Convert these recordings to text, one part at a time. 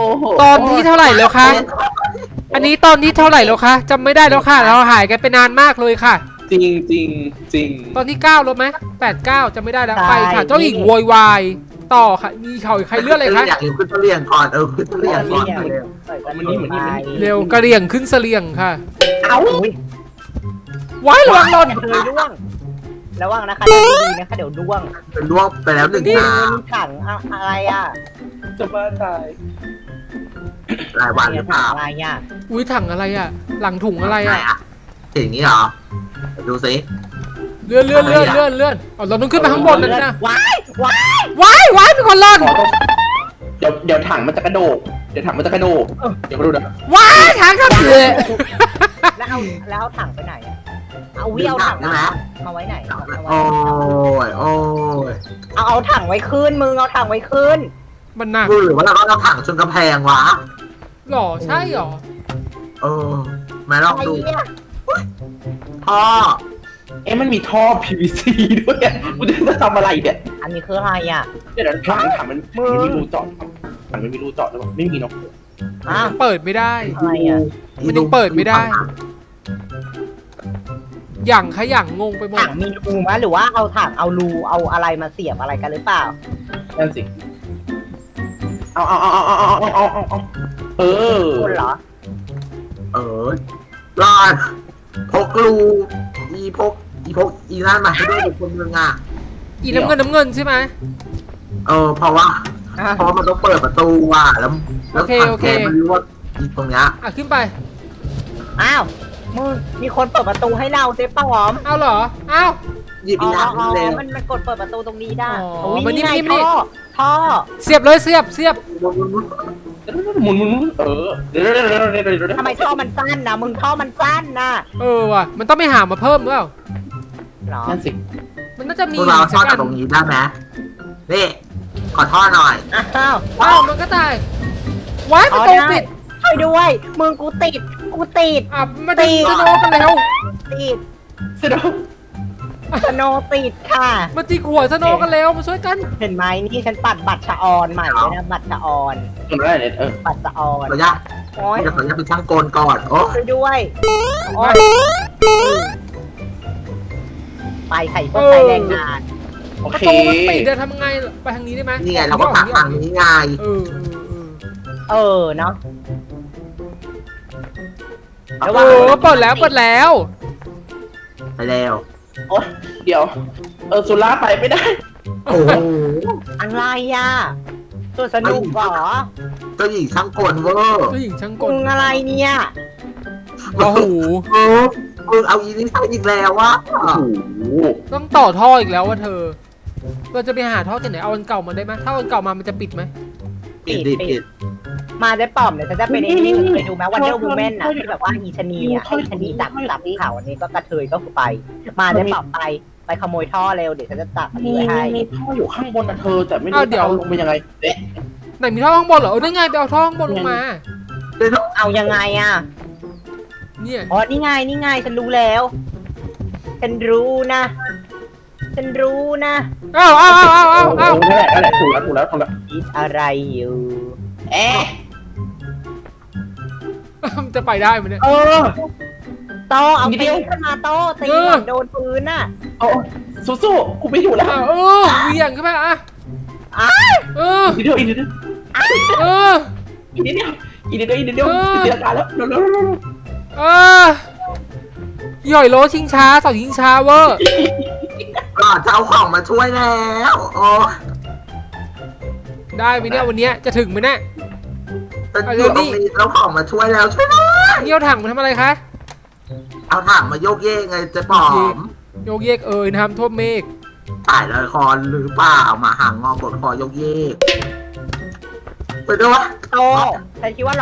โหตอนที่เท่าไหร่แล้วคะอันนี้ตอนที่เท่าไหร่แล้วคะจำไม่ได้แล้วค่ะเราหายกันไปนานมากเลยค่ะจริงจริงจริงตอนที่9ลบไหม8 9จำไม่ได้แล้วไปค่ะเจ้าหญิงโวยวายต่อค่ะมีเขาใครเลื่อนอะไรคะอยากขึ้นเสลี่ยงก่อนขึ้นเสลี่ยงก่อนเร็วเร็วกระเดี่ยงขึ้นเสลียงค่ะเอาว้ายระวังหล่นเคยร่วงระวังนะคะดีๆนะคะเดี๋ยวร่วงเป็นล่วงไปแล้วหนึ่งนี่นามันถังอะไรอ่ะจะบ้าตายรายวันหรือเปล่าอะไรอ่ะอุ้ยถังอะไรอ่ะ หลังถุงอะไรอ่ะอย่างนี้เหรอดูสิเลื่อนอ๋อเราต้องขึ้นไปข้างบนนั่นนะว้ายว้ายว้ายมีคนหล่นขอต้องเดี๋ยวถังมันจะกระโดดเดี๋ยวถังมันจะกระโดดเดี๋ยวมาดูนะว้ายถังครับเลยแล้วเอาถังไปไหนอะเอาวิเอาถังมาไว้ไหนโอ้ยโอ้ยเอาถังไว้ขึ้นมึงเอาถังไว้ขึ้นมันหนักหรือว่าเราต้องถังชนกำแพงวะหรอใช่หรอมาลองดูพ่อมันมีท่อ PVC ด้วยกูจะทำอะไรเนี่ยอันนี้คืออะไรอ่ะเดี๋ยวถังมันไม่มีรูเจาะถังไม่มีรูเจาะหรือเปล่าไม่มีเนาะเปิดไม่ได้อะไรอ่ะมันยังเปิดไม่ได้ อย่างขยังงงไปหมถัดงมีรูมั้ยหรือว่าเอาถังเอารูเอาอะไรมาเสียบอะไรกันหรือเปล่านั่นสิเอาคนเหรอรอดพกรูพกนั่นมาให้ด้วยคนนึงอ่ะอีน้ำเงินใช่ไหมเพราะว่ามันต้องเปิดประตูว่ะแล้วถังแก๊สมันรั่วตรงเนี้ยขึ้นไปอ้าวมึงมีคนเปิดประตูให้เราเจ๊ป้าหอมเอาเหรออ้าวหยิบอีกอย่างนึงเลยมันกดเปิดประตูตรงนี้ได้มันนี่ท่อเสียบเลยเสียบหมุนเดี๋ยวทำไมท่อมันสั้นนะมึงท่อมันสั้นนะว่ะมันต้องไปหามาเพิ่มหรือเปล่าหรอนั่นสิมันน่าจะมีพวกเราทอดจากตรงนี้ได้ไหมนี่ขอทอดหน่อยอ้าวมันก็ตายว้ายประตูปิดช่วยด้วยมึงกูติดมาตีสโนกันแล้วติดเสร็จแล้วสโนติดค่ะมาตีหัวสโนกันแล้วมาช่วยกันเห็นไหมนี่ฉันปัดบัตรชะออนใหม่เลยนะบัตรชะออนทำได้เนี่ยบัตรชะออนขออนุญาตโอ้ยเดี๋ยวขออนุญาตเป็นช่างโกนก่อนโอ้ช่วยด้วยไปไข่พวกไข่แรงงานโอประเคตูมันปิดจะทำไงไปทางนี้ได้ไหมนี่ไงเราก็ตักทางนี้ไงเนาะเปิดแล้วไปแล้วโอ้เดี๋ยวสุราไปไม่ได้โอ้โหอะไรอ่ะตัวสนุกเหรอเจ้าหญิงช่างโกนเวอร์เจ้าหญิงช่างกมึลงอะไรเนี่ยโอ้โหเอาอีนี่ใช่อีกแล้ววะโอ้โหต้องต่อท่ออีกแล้วว่าเธอเราจะไปหาท่อที่ไหนเอาอันเก่ามาได้ไหมถ้าอันเก่ามามันจะปิดไหมปิดมาได้ป่อมเลยฉันจะเป็นไอ้นี่เคยดูไหมวันเดอร์วูแมนนะที่แบบว่าอีชนีอ่ะอีชนีจับเขาอันนี้ก็กระเทยก็คือไป มาได้ป่อมไปขโมยท่อเร็วเดี๋ยวฉันจะจับมันให้มีท่ออยู่ข้างบนนะเธอแต่ไม่รู้จะเอาลงไปยังไงเอ๊ะไหนมีท่อข้างบนเหรอนั่นไงไปเอาท่อข้างบนลงมาเอายังไงอ่ะเนี่ยอ๋อนี่ไงฉันรู้แล้วฉันรู้นะเอานั่นแหละถูกแล้วคิดอะไรอยู่เอ๊ะมันจะไปได้ไหมเนี่ยโตเอาตีขึ้นมาโตตีโดนปืนน่ะสู้ๆกูไม่อยู่แล้วเวียงขึ้นไปอ่ะอีกนิดเดียวอีกนิดเดียวอีกนิดเดียวเสียการแล้วเร็วหย่อยโลชิงช้าเสาชิงช้าเวอร์ก่อนจะเอาของมาช่วยแล้วโอ้ได้ไหมเนี่ยวันนี้จะถึงไหมเนี่ยเป็นอยู่ตรงนี้เอาของมาช่วยแล้วช่วยหน่อยนี่เอาถังมาทำอะไรคะเอาถังมาโยกเยกไงจะปอมโยกเยกน้ำท่วมเมฆตายเลยคอหรือเปล่ามาห่างงอกดคอยกเยกไปด้วยวะโตฉันคิดว่าหล่อน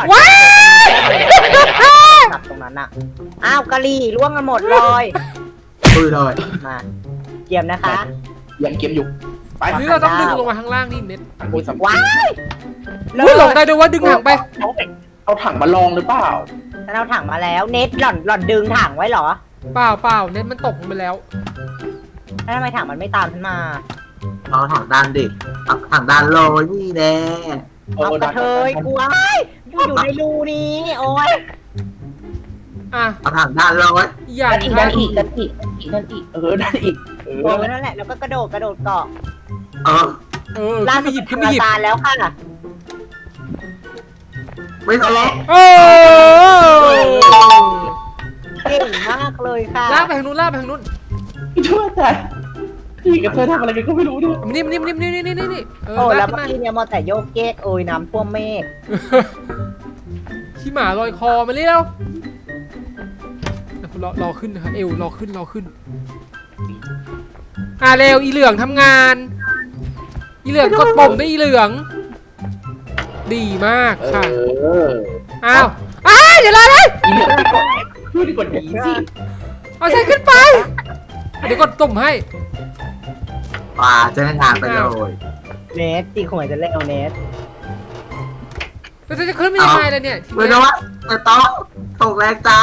ขับตรงนั้นน่ะอ้าวกะลี่ล่วงกันหมดเลยคุยเลยมาเยี่ยมนะคะยังเกมอยู่ไปหรือเราต้องดึงลงมาข้างล่างนี่เน็ตคุยสัมว้ายลงได้ด้วยว่าดึงถังไปเอาถังมาลองหรือเปล่าฉันเอาถังมาแล้วเน็ตหล่อนดึงถังไว้เหรอเปล่าเน็ตมันตกลงไปแล้วแล้วทำไมถังมันไม่ตามฉันมาเอาถังด้านดิถังด้านลอยนี่แน่เอากระเทยกลัวอยู่ในรูนี้โอ้ยอ่ะเอาถังด้านเราไว้อย่างดันค่ะอีกดันอีกดันอีกดันอีกกลัวไว้นั่นแหละแล้วก็กระโดดเกาะเออล่าขึ้นสุไปดหยิบขึ้นไปหยิบตาแล้วค่ะไม่ทะเลาะโอ้เก่งมากเลยค่ะลากไปทางนู้นลากไปทางนู้นช่วยแต่พี่กับเธอทำอะไรกันก็ไม่รู้เนี่ยนี่เอโอ้อแล้ลาว กเมื่อขึ้นมากี้เนี่ยมอแต่โยกเก๊กโอ้ยน้ำท่วมเมฆขี้หมาลอยคอมาเร็วรอขึ้นนะคะเอวรอขึ้นเร็วอีเหลืองทำงานอีเหลืองกดปุ่มได้อีเหลือง ดีมากค่ะอ้าวอย่าลอยเลยอีเหลือไปก่อนช่วยดีกว่านี้สิเอาใส่ขึ้นไปเดี๋ยวกดตุ่มให้ป่าจะงานไปเลยเนสตีขวยจะเล่นเอาเนสแล้วจะขึ้นไม่ยังไงล่ะเนี่ยทีไม่นี้รู้ว่าจะต้องตกแรงใจ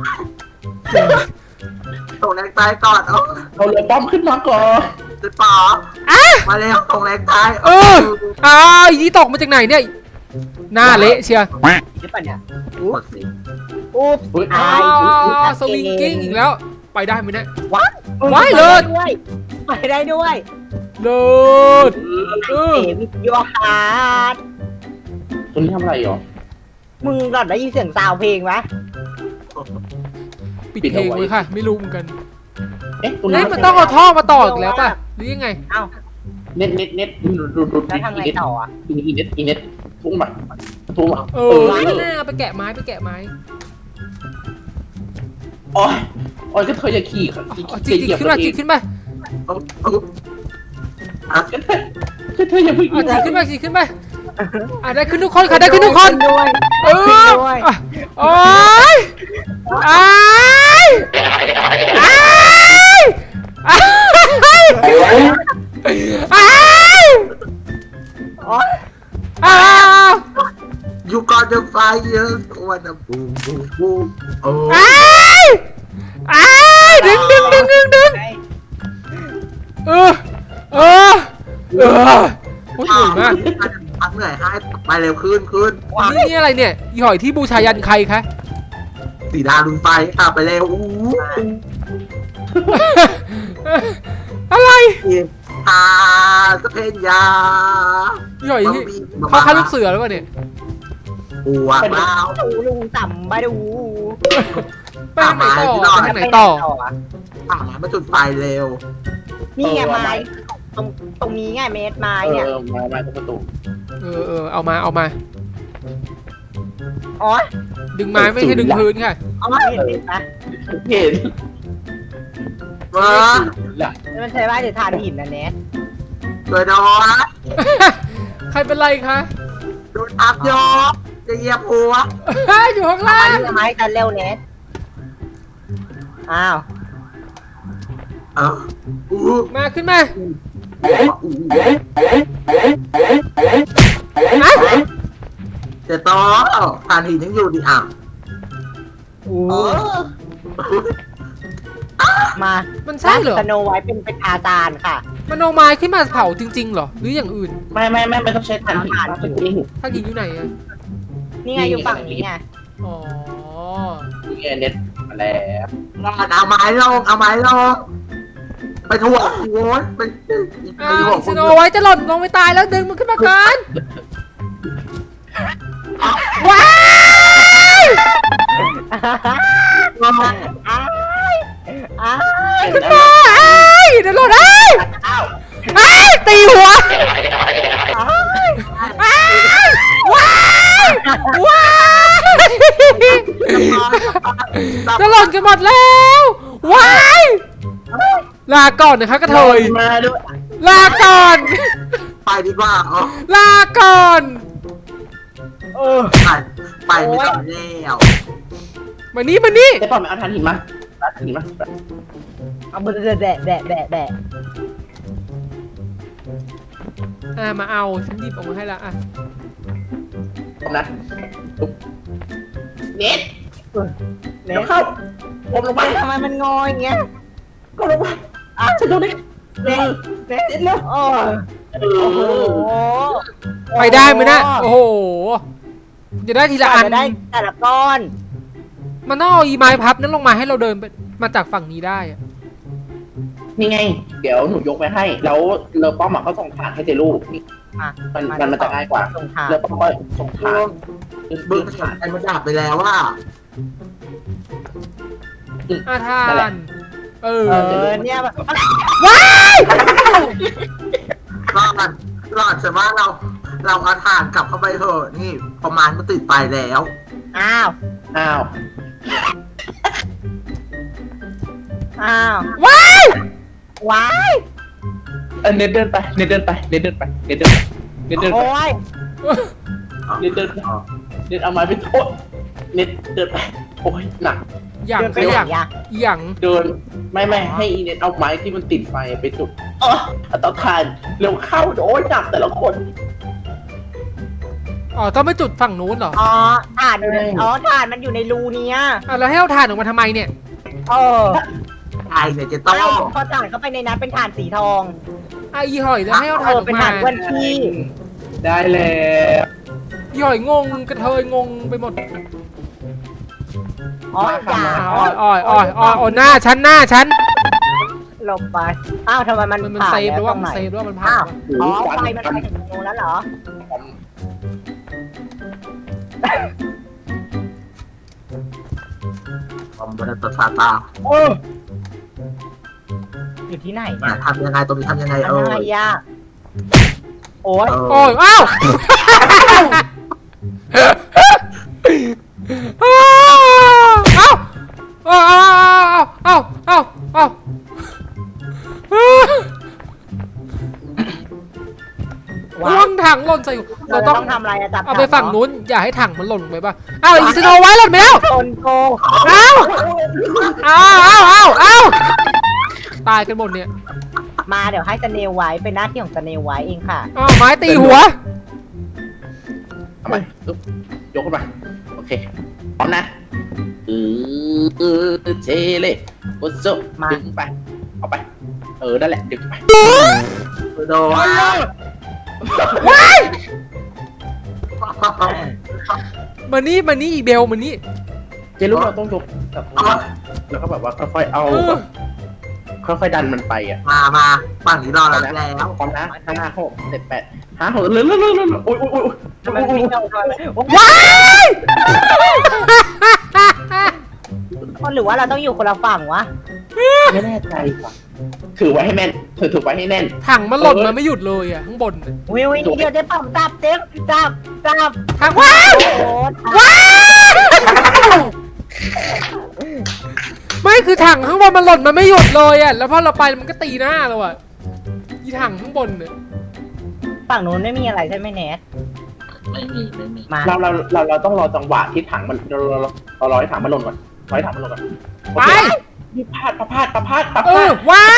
ตกแรงใจก่อนเอาเรือป้อมขึ้นมาก่อนจะป๋อมาเร็วตกแรงใจอีนี่ตกมาจากไหนเนี่ยหน้าเละเชียร์หรือเปล่าเนี่ยกดสิอุ๊บสวิงกิ้งอีกแล้วไปได้ไหมเนี่ยว้ายเลิศไปได้ด้วยเลิศเอวิทยาฮาร์ดตัวนี้ทำอะไรหรอมึงก่อนได้ยินเสียงซาวเพลงไหมปิดเพลงไว้ค่ะ ไม่รู้เหมือนกันตัวเฮ้นี้ยมันต้องเอาท่อมาต่ออีกแล้วป่ะหรือยังไงเอ้าเน็ตดูแล้วทำไงต่ออ่ะอีเน็ตทุ่งมาน่าไปแกะไม้โอ้ยก็เธออย่าขี่จิกขึ้นมาจิกขึ้นมาก็เธออย่าเพิ่งจิกขึ้นมาได้ขึ้นทุกคนค่ะได้ขึ้นทุกคนด้วยโอ้ยอยู่ก่อนจะไฟเยอะวันน้ำปูโอ้ดึงโอ้ยเหนื่อยมากพักเหนื่อยให้ไปเร็วขึ้นนี่อะไรเนี่ยอีหอยที่บูชายันใครคะสีดาลุนไฟไปเร็วอะไรสเปนยาอีหอยที่เขาฆ่าลูกเสือหรือเปล่าเนี่ยปัวเปล่าลุงต่ำไปดูไปทางไหนต่อป่ามาจุดไฟเร็วนี่ไงไม้ตรงนี้ไงเมตรไม้เนี่ยมาตรงประตูเอามาอ๋อดึงไม้ไม่ใช่ดึงพื้นค่ะอ๋อเห็นไหมเห็นมามันใช้ว่าจะทานหินนะเนสช่วยโดนใครเป็นไรคะโดนอัพยอจะเหยียบหัวอยู่ข้างล่างไม้กันเร็วเนสอ้าวมาขึ้นมาจะต่อทานหินยังอยู่ดิมามันใช่เหรอสโนไว้เป็นอาจารย์ค่ะมันเอาไม้ขึ้นมาเผาจริงๆเหรอหรืออย่างอื่นไม่ต้องใช้ฐานหินถ้ายิงอยู่ไหนอะนี่ไงอยู่ฝั่งนี้ไงอ๋อนี่เน็ตมาแล้วเอาไม้ลงไปถ่วงโว้ยไปสโนไว้จะหล่นลงไปตายแล้วดึงมันขึ้นมาก่อนว้ายขึ้นมาเดี๋ยวหล่นตีหัวว้ายจะหล่นกันหมดแล้วว้ายลาก่อนนะคะกระเทยมาด้วยลาก่อนไปดีกว่าลาก่อนไปไม่ต้องแล้วมานี่แต่ก่อนเอาฐานหินมาเอามือแดะมาเอาฉันหยิบออกมาให้ละนะเน็ตเนเดี๋ยวสเข้าผมลงไปทำไมมันงออย่างเงี้ยก็ลงไปฉันโดนเน็ตเนสเร็วโอ้โหไปได้ไหมนะโอ้โหจะได้ทีละอันจะได้แต่ละก้อนมันต้องเอาอีไม้พับนั้นลงมาให้เราเดินไปมาจากฝั่งนี้ได้อะนี่ไง เดี๋ยวหนูยกไปให้ แล้วเลอป้อมก็ส่งฐานให้เจลูกนี่มามันจะง่ายกว่าส่งทางเลอป้อมก็ส่งฐานบึ้งฐานไอ้มันดับไปแล้วว่าทานเออเนี่ยรอดใช่ไหมเราเอาถ่านกลับเข้าไปเถอะนี่ประมาณมันติดไปแล้วอ้าวอ้าวอ้าวว้ายว้ายเน็ตเดินไปเน็ตเดินไปเน็ตเดินไปเน็ตเดินไปเน็ตเดินไปโอ้ยเน็ตเดินไปเน็ตเอาไม้ไปโอ๊ยเน็ตเดินไปโอ้ยหนักอย่างเดินไปไปไหนอย่างอะอย่างเดินไม่ให้อีเน็ตเอาไม้ที่มันติดไฟไปจุดเอาเตาถ่านเร็วเข้าโอ้ยหนักแต่ละคนอ๋อต้องไปจุดฝั่งนู้นเหรออ๋อถ่านอยู่ในถ่านมันอยู่ในรูเนี้ยแล้วให้เอาถ่านออกมาทำไมเนี่ยเออไอ้เนี่ยจะต้องพอถ่านเข้าไปในนั้นเป็นถ่านสีทองอีหอยแล้วให้เอาถ่านออกเป็นมาถ่านอ้วนขี้ได้แล้วอีหอยงงกระเทยงงไปหมดอ๋ออย่าอ้อยหน้าฉันลงไปอ้าวทำไมมันมันผ่านเซฟหรือว่าตมันงไหเซฟหรือว่ามันพังอ้าววะอ๋อไฟมันไปถึงตรงนู้นแล้วเหรอผมบนตัวซาตาอยู่ที่ไหนเนี่ยเนี่ยทำยังไงตรงนี้ทำยังไงอะไรอ่ะโอ้ยโอ้ยอ้าวอ้าวล่วงถังหล่นใส่เราต้องทำอะไรอะจับเอาไปฝั่งนู้นอย่าให้ถังมันหล่นลงไปป่ะอ้าวอีสโนไว้หล่นไปแล้วคนโกงอ้าวตายกันหมดเนี่ยมาเดี๋ยวให้สเนลไว้เป็นหน้าที่ของสเนลไว้เองค่ะอ้าวไม้ตีหัวเอาไปยกขึ้นมาโอเคพร้อมนะเจเล่โอโซดึงไปเอาไปนั่นแหละดึงไปโดนมานี่อีเบลมานี่เจลูกเราต้องยกแบบแล้วก็แบบว่าค่อยๆเอาค่อยๆดันมันไปอ่ะมาฝั่งนี้รอแล้วพร้อมนะ5 6 7 8 5 6เร็วโอ้ยทำไมไม่เข้าทางว้ายหรือว่าเราต้องอยู่คนละฝั่งวะไม่แน่ใจว่ะถือไว้ให้แม่นถือไว้ให้แน่นถังมันหล่นมาไม่หยุดเลยอ่ะข้างบนวิวเดี๋ยวจะปั๊มจับเจ๊จับถังว้าวโอ้ว้าวไม่คือถังข้างบนมันหล่นมาไม่หยุดเลยอ่ะแล้วพอเราไปมันก็ตีหน้าเราอ่ะอีถังข้างบนเนี่ยฝั่งนู้นไม่มีอะไรใช่ไหมเนทไม่มีมาเราต้องรอจังหวะที่ถังมันเรารอให้ถังมันหล่นก่อนรอให้ถังมันหล่นก่อนไปนี่พลาดวางวาง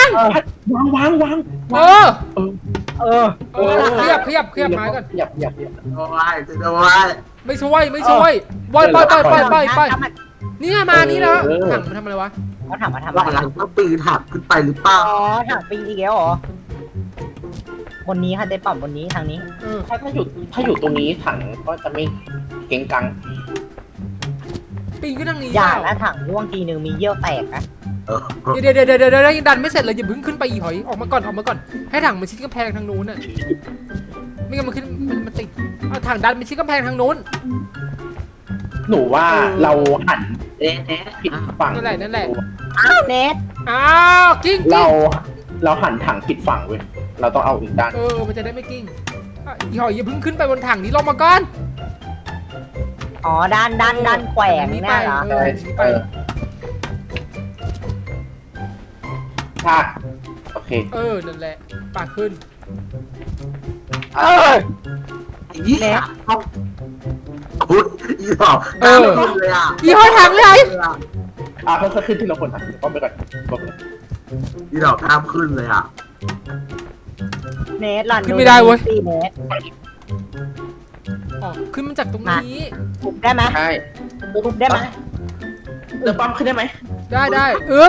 ขยับไม้ก่อนขยับโอ้ยจะโดนไม่ช่วยไปนี่มานี่แล้วถังมันทำอะไรวะเขาถามมาทำหลัอะไรงต้องปีนถักขึ้นไปหรือเปล่าอ๋อถังปีอีกแล้วเหรอบนนี้ค่ะเจ๊ปั๊มบนนี้ทางนี้ถ้าอยู่ตรงนี้ถังก็จะไม่เก่งกังปีนขึ้นทางนี้อย่านะถังร่วงทีนึงมีเยี่ยวแตกนะเดี๋ยวยังดันไม่เสร็จเลยอย่าเพิ่งขึ้นไปอีหอยออกมาก่อนให้ถังมันชิดกำแพงทางนู้นน่ะไม่งั้นมันขึ้นมันติดเอาถังดันมันชิดกำแพงทางนู้นหนูว่าเราหันผิดฝั่งนั่นแหละอ้าวเนทอ้าวกิ้งเราหันถังผิดฝั่งเว้ยเราต้องเอาอีกด้านมันจะได้ไม่กิ้งอีหอยอย่าเพิ่งขึ้นไปบนถังนี้ลงมาก่อนอ๋อด้านแขวงเนี่ยเหรอไปถ้าโอเคนั่นแหละปากขึ้นยี่เนี่ยพุทธอีหอกเลยอ่ะอีหอยถังเลยค่อยๆขึ้นทีละคนนะป้อมไปก่อนอีหอกข้ามขึ้นเลยอ่ะเนทหล่อนขึ้นไม่ได้เว้ยสี่เนทขึ้นมาจากตรงนี้ทุบได้ไหมใช่ทุบได้ไหมเดี๋ยวป้อมขึ้นได้ไหมได้อึ๊บ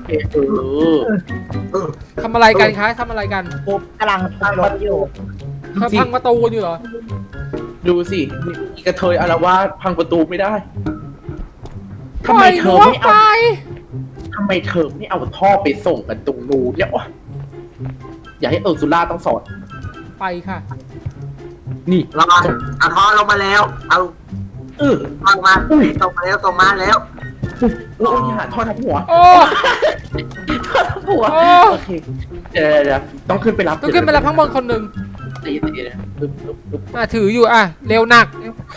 โอเคทำอะไรกันคะทำอะไรกันทุบกำลังทุบรถอยู่พังประตูอยู่เหรอดูสิมีกระเทยอารวาสพังประตูไม่ได้ปล่อยหนูออกไปทำไมเธอไม่เอาท่อไปส่งกันตรงนู้นเนี่ยวะอย่าให้ซูล่าต้องสอนไปค่ะนี่รอเอาท่อลงมาแล้ว เอาเออท่อลงมาส่งมาแล้วส่งมาแล้วโอ้ยหาท่อทับหัวโอ้ท่อทับหัวโอ้โอเคเดี๋ยวต้องขึ้นไปรับต้องขึ้นไปรับข้างบนคนหนึ่งตีนะปึ๊บถืออยู่เร็วหนัก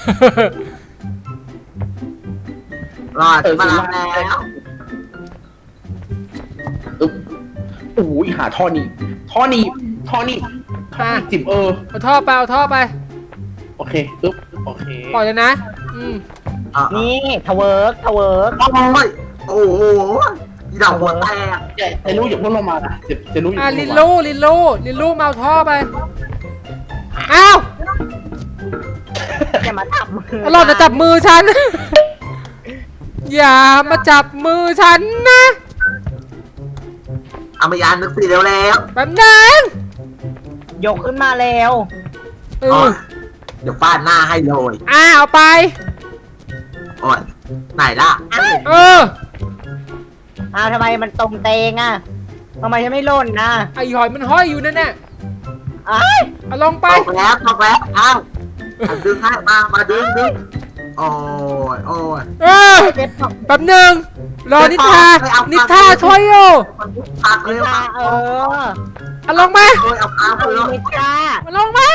รอดมาแล้วโอ้ยหาท่อนี้จิ๋มเอาท่อไปเอาท่อไปโอเคโอเคปล่อยเลยนะนี่ทเวิร์กโอ้โหดอกหัวแตกเจรู้อย่าพุ่งลงมานะเจรู้อย่าลินลู่มาเอาท่อไป อ้าวอย่ามาจับมือหล่อนจะจับมือฉัน อย่ามาจับมือฉันนะเอามายานนึกสิแล้วแป๊บนึงยกขึ้นมาแล้วเอโอ้อยเดี๋ยวฟาดหน้าให้เลยเอาไปโอ้ยไหนล่ะเออทำไมมันตรงเตงอ่ะทำไมฉันไม่หล่นนะไอหอยมันห้อยอยู่นั่นแหละ เอาลงไปตกแล้วเอ้าดึงให้มาดึงโอ้ยเออเจ็บปากแป๊บนึง รอนิทาช่วยอยู่ปักเลยเอาลงมาโอ้ยเอาปากเลยเมจ้าเอาลงมา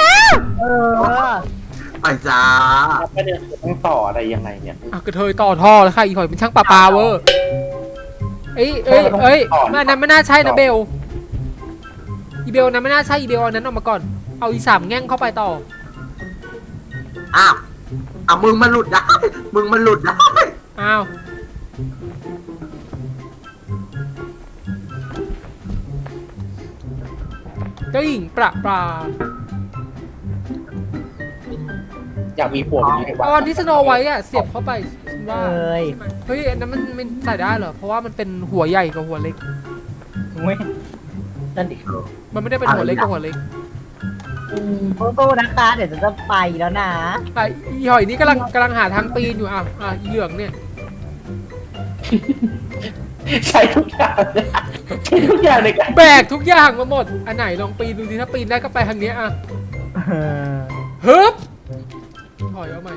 ไปจ้าประเด็นคือต้องต่ออะไรยังไงเนี่ยกระเทยต่อท่อแล้วค่ะอีหอยเป็นช่างปลาเวอร์เอ้ยมันนั้นไม่น่าใช่นะเบลอีเบลนั้นไม่น่าใช่อีเบลอันนั้นออกมาก่อน เอาอี3แง่งเข้าไปต่ออ้าวเอามึงมันหลุดได้อ้าวเจ้าหญิงประปลาอยากมีผัวแบบนี้ในบ้าตอนที่สโนไว้อะเสียบเข้าไปฉันว่าเอ้ยเฮ้ยอันนั้นมันใส่ได้เหรอ เพราะว่ามันเป็นหัวใหญ่กับหัวเล็กเว้ยนั่นดิมันไม่ได้เป็นหัวเล็กกับหัวเล็กสู้ๆนะคะ เดี๋ยวจะไปแล้วนะอีหอยนี่กำลังหาทางปีนอยู่อีเหลืองเนี่ยใช้ทุกอย่างในการแบกทุกอย่างมาหมด อันไหนลองปีนดูสิถ้าปีนได้ก็ไปทางเนี้ยฮึบถอยเอาใหม่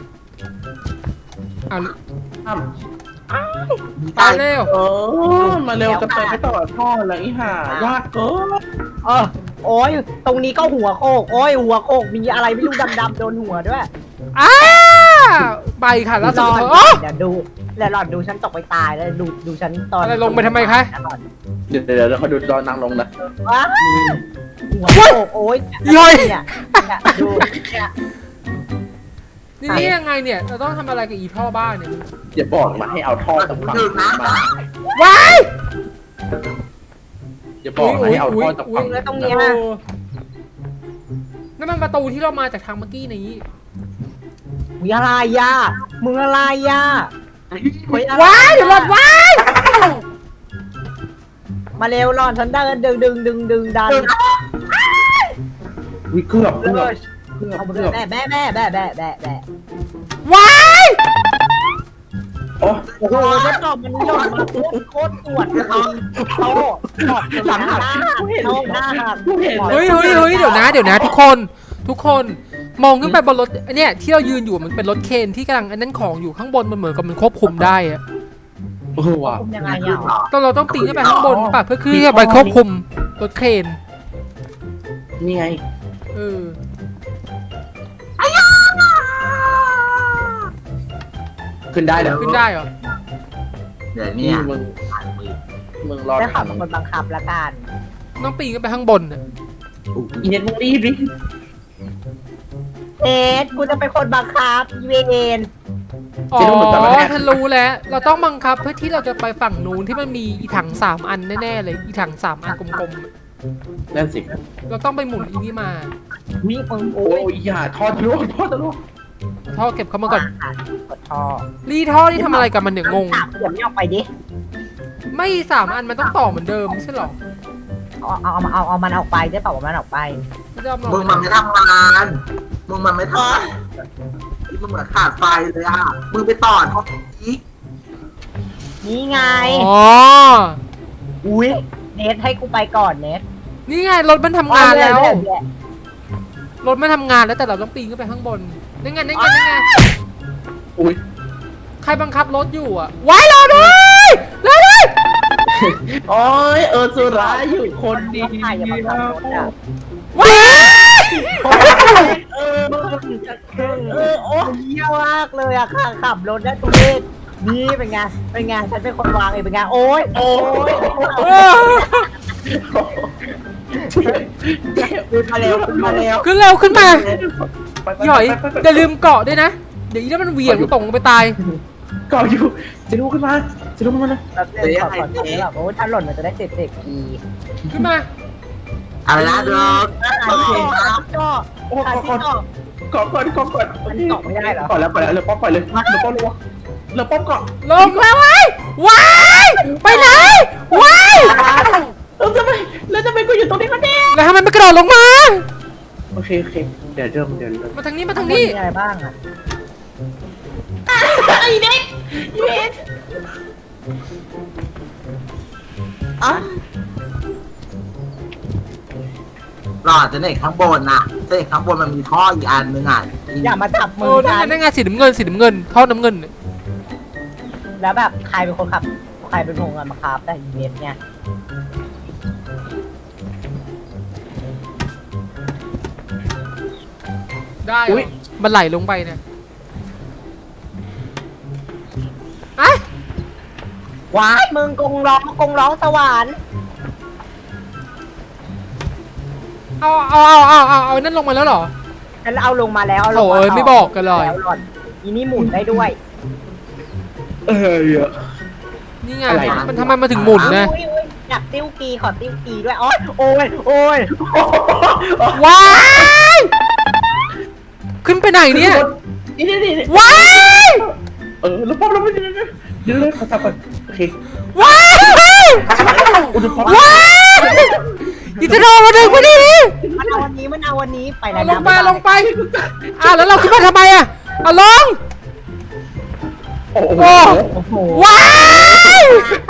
ไปเร็วมาเร็วจะไปไม่ต่อท่อแล้วอีห่ายากเกินโอ้ยตรงนี้ก็หัวโคก หัวโคกมีอะไรไม่รู้ดำๆโดนหัวด้วยไปค่ะแล้วรสุอดดท้ายเดี๋ยวดูแล้วหลอดดูฉันตกไปตายแล้วดูฉันตอนอะไรลงไปทำไมคะเดี๋ยวเขาดูตอนนางลงนะว้าหัวโคกโอ้ยเนี่ยดูเนี่ยนี่ยังไงเนี่ยเราต้องทำอะไรกับอีท่อบ้านเนี่ยอย่าบอกมาให้เอาท่อจากฝั่งมาว้ายอย่าบอกมาให้เอาท่อจากฝั่งแล้วตรงนี้นั่นมันประตูที่เรามาจากทางเมื่อกี้นี้มึงอะไรย่ามึงอะไรย่าว้ายเดี๋ยวหลอดว้ายมาเร็วหลอดฉันเดินดึงดันวิเกือบเอาไปเลยแบะว้ายโอ้โอ้โหฉันตอบมันหล่นมาโคตรปวดเลยโตตอบหลังหน้าหักเฮ้ยเดี๋ยวนะทุกคนมองขึ้นไปบนรถเนี่ยที่เรายืนอยู่มันเป็นรถเคนที่กำลังอันนั้นของอยู่ข้างบนมันเหมือนกับมันควบคุมได้อะว่ะยังไงอ่ะเราต้องปีนขึ้นไปข้างบนป่ะเพื่อขึ้นไปควบคุมรถเคนนี่ไง ขึ้นได้แล้วขึ้นได้เหรอเดี๋ยวเนี่ยมึงรอได้ข่าวเป็นคนบังคับละกันต้องปีนขึ้นไปข้างบนน่ะอีเน็ตมึงรีบดิกูจะเป็นคนบังคับเวนอ๋อฉันรู้แล้วเราต้องบังคับเพื่อที่เราจะไปฝั่งนู้นที่มันมีอีถัง3อันแน่ๆเลยอีถัง3อันกลมนั่นสิๆเราต้องไปหมุนอีนี่มามีมึงโอ้ยอย่าท่อทะลุท่อเก็บเข้ามาก่อนกดท่อรีท่อนี่ทำอะไรกับมันเนี่ยงงเดี๋ยวไม่ออกไปดิไม่3อันมันต้องต่อเหมือนเดิมไม่ใช่หรอเอามันออกไปได้เปล่าว่ามันออกไปไม่ยอมหรอกมึงมันไม่ทำงานมึงมันไม่ทำงานมึงเหมือนขาดไฟเลยอ่ะมึงไปต่อห้องอีกนี่ไงอ๋ออุ้ยเนทให้กูไปก่อนเนทนี่ไงรถมันทำงานแล้ว รถมันทำงานแล้วแต่เราต้องปีนขึ้นไปข้างบนนี่ไงอุ้ยใครบังคับรถอยู่อ่ะไว้รอด้วยรอด้วยโอ้ยสุราอยู่คนเดียวใครอย่ามาขับรถอ่ะว้ายโอ้เยี่ยมากเลยอ่ะขับรถได้ทุเรศนี่เป็นไงฉันเป็นคนวางเองเป็นไงโอ้ยเออขึ้นมาเร็วขึ้นเร็วขึ้นมาหย่อยอย่าลืมเกาะด้วยนะเดี๋ยวอีนั่นมันเหวี่ยงตกลงไปตายเกาะอยู่จะลุกขึ้นมานะแบบเล่นขอแบบโอ้ถ้าหล่นมันจะได้เสร็จทีขึ้นมาอะไรนะเด็กก็โอ้ก่อนก่อนก่อนก่อนแล้วเรือป้อมปล่อยเลยเรือป้อมลงเรือป้อมเกาะลงมาไว้ไปไหนว้ายแล้วทำไมกูอยู่ตรงนี้กันเนี่ยแล้วทำไมไม่กระโดดลงมาโอเคเดี๋ยวเริ่มมาทางนี้มีอะไรบ้างอ่ะไอ้เด็กอ่ะหลอดจะเด็กข้างบนน่ะเด็กข้างบนมันมีท่ออีกอันนึงอ่ะอย่ามาจับมืโอ้อนั่นไงสีน้ำเงินท่อน้ำเงินแล้วแบบใครเป็นคนขับใครเป็นคนงานมาครับแต่อีเวนต์เนี่ยได้มันไหลลงไปเนี่ยอะว้ายมึงกงร้องสวรรค์เอานั่นลงมาแล้วเหรอฉันเอาลงมาแล้วโอ้ยไม่บอกกันเลยอีนี่หมุนได้ด้วยนี่ไงมันทำไมมาถึงหมุนนะอยากติ้วกีขอติ้วกีด้วยโอ้ยว้ายขึ้นไปไหนเนี่ยนี่ว้ายเรือป้อมแล้วไม่เดี๋ยวขอจับก่อนโอเคว้ายว้ายอีจะโดนมาดึงมาดิมันเอาวันนี้ไปแล้วลงไปแล้วเราขึ้นมาทำไมอะลงโอ้โหว้าย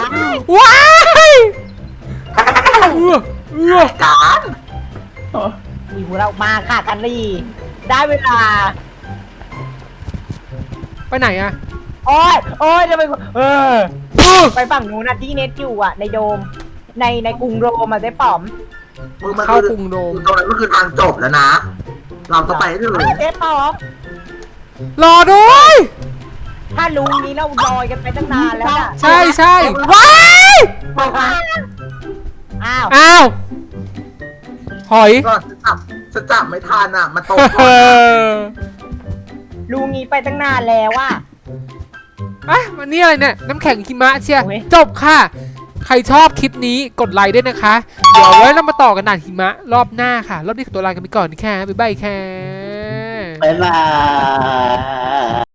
การมีหูเรามาค่ะกันลีได้เวลาไปไหนอะโอ้ยจะไปไปฝั่งนู้นนะที่เน็ตอยู่อ่ะในโดมในกรุงโรมมาได้ป๋อมเข้ากรุงโดมตรงนั้นก็คือทางจบแล้วนะ เราต้องไปให้ถึงได้ป๋อมรอด้วยถ้าลุงนี้เราลอยกันไปตั้งนานแล้วอ่ะใช่ว้ายอ้าวหอยก็จะจับไม่ทันอ่ะมันตกลุงนี้ไปตั้งนานแล้วอ่ะมันนี่อะไรเนี่ยน้ำแข็งหิมะเชียโอ้ยจบค่ะ ใครชอบคลิปนี้กดไลค์ด้วยนะคะ เดี๋ยวไว้เรามาต่อกันด่านหิมะรอบหน้าค่ะ รอบนี้ขอตัวลากันไปก่อนค่ะบ๊ายบายค่ะบ๊ายบาย